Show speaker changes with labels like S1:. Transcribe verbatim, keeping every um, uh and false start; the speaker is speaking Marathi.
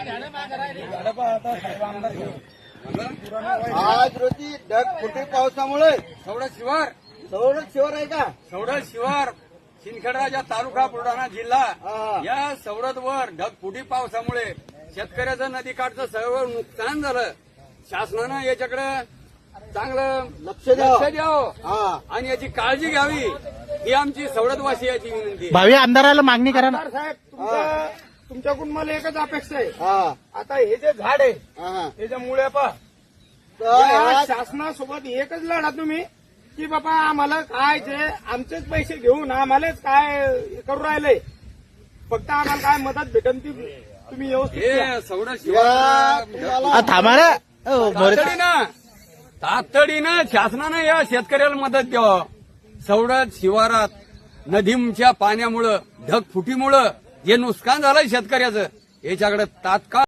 S1: आज रोजी ढगफुटी पावसामुळे
S2: सवडत शिवार
S1: सवडत शिवार आहे का?
S2: सवडत शिवार शिंदखेडराजा तालुका बुलढाणा जिल्हा
S1: हा.
S2: या सवडतवर ढगफुटी पावसामुळे शेतकऱ्याचं नदीकाठचं सर्व नुकसान झालं. शासनानं याच्याकडे चांगलं
S1: लक्ष द्यावं.
S2: लक्ष द्यावं
S1: हा.
S2: आणि याची काळजी घ्यावी ही आमची सवडतवासियाची विनंती आहे.
S3: भावी आमदाराला मागणी करा ना.
S4: आमदार साहेब तुमच्या तुमच्याकडून मला एकच अपेक्षा आहे.
S1: हा.
S4: आता हे जे झाड आहे
S1: हा.
S4: त्याच्या मुळे पहा
S1: तर
S4: या
S1: ह्या-
S4: शासनासोबत एकच लढा तुम्ही की बाबा आम्हाला काय जे आमचेच पैसे घेऊन आम्हालाच काय करू राहिले, फक्त आम्हाला काय मदत भेटन ती तुम्ही व्यवस्थित द्या.
S2: हे सवडत
S1: या
S2: शिवार
S1: तुम्हाला
S3: आ, थांबा ना. अ, मोरे-
S2: तातडीनं तातडीनं शासनानं या शेतकऱ्याला मदत द्यावं. सवडत शिवारात नदीच्या पाण्यामुळं ढगफुटीमुळं जे नुकसान झालंय शेतकऱ्याचं याच्याकडे तात्काळ